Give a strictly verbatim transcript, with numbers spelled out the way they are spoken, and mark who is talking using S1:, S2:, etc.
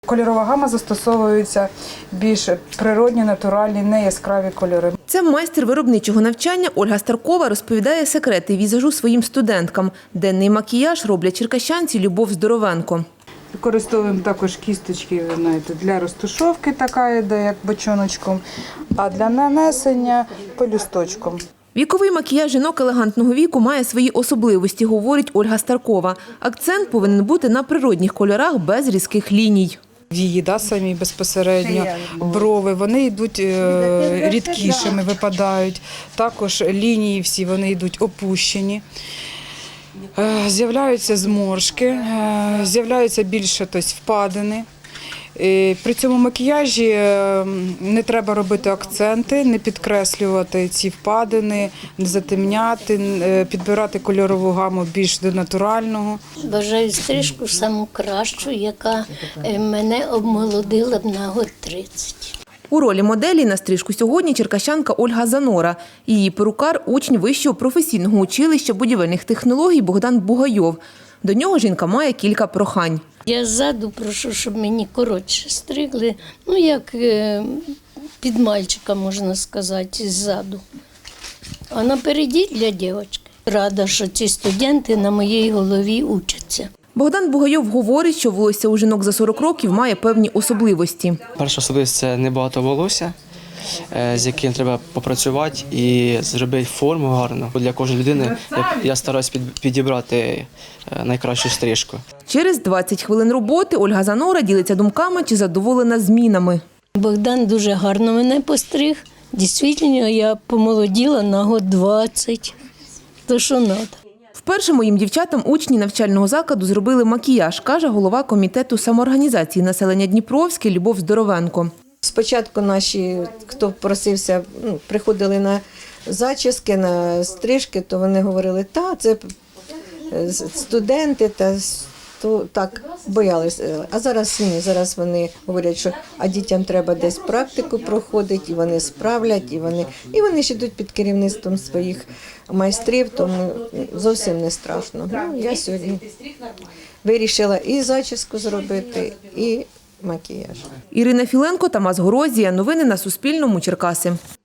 S1: Кольорова гама застосовується більш природні, натуральні, не яскраві кольори.
S2: Це майстер виробничого навчання Ольга Старкова розповідає секрети візажу своїм студенткам. Денний макіяж роблять черкащанці Любов Здоровенко.
S1: Використовуємо також кісточки, ви знаєте, для розтушовки така йде, як бочоночком, а для нанесення пелюсточком.
S2: Віковий макіяж жінок елегантного віку має свої особливості, говорить Ольга Старкова. Акцент повинен бути на природних кольорах без різких ліній.
S1: Вії, да, самі безпосередньо, брови, вони йдуть е, рідкішими, випадають. Також лінії всі, вони йдуть опущені. Е, з'являються зморшки, е, з'являються більше тобто, впадини. Е, при цьому макіяжі е, не треба робити акценти, не підкреслювати ці впадини, не затемняти, е, підбирати кольорову гаму більш до натурального.
S3: Бажаю стрижку саму кращу, яка мене обмолодила б на год тридцять.
S2: У ролі моделі на стрижку сьогодні черкащанка Ольга Занора. Її перукар – учень Вищого професійного училища будівельних технологій Богдан Бугайов. До нього жінка має кілька прохань.
S3: Я ззаду прошу, щоб мені коротше стригли, ну як під мальчика, можна сказати, ззаду. А напереді для дівчинки. Рада, що ці студенти на моїй голові учаться.
S2: Богдан Бугайов говорить, що волосся у жінок за сорок років має певні особливості.
S4: Перша особливість – це небагато волосся, з яким треба попрацювати і зробити форму гарну. Для кожної людини я стараюсь підібрати найкращу стрижку.
S2: Через двадцять хвилин роботи Ольга Занора ділиться думками, чи задоволена змінами.
S3: Богдан дуже гарно мене постриг. Дійсно, я помолоділа на год двадцять. То що треба.
S2: Вперше моїм дівчатам учні навчального закладу зробили макіяж, каже голова комітету самоорганізації населення Дніпровське Любов Здоровенко.
S5: Спочатку наші, хто просився, ну, приходили на зачіски, на стрижки, то вони говорили, та це студенти, та то так боялися. А зараз ні, зараз вони говорять, що а дітям треба десь практику проходити, і вони справлять, і вони, і вони ж йдуть під керівництвом своїх майстрів, тому зовсім не страшно. Ну, я сьогодні вирішила і зачіску зробити, і макіяж.
S2: Ірина Філенко, Тамас Горозія. Новини на Суспільному. Черкаси.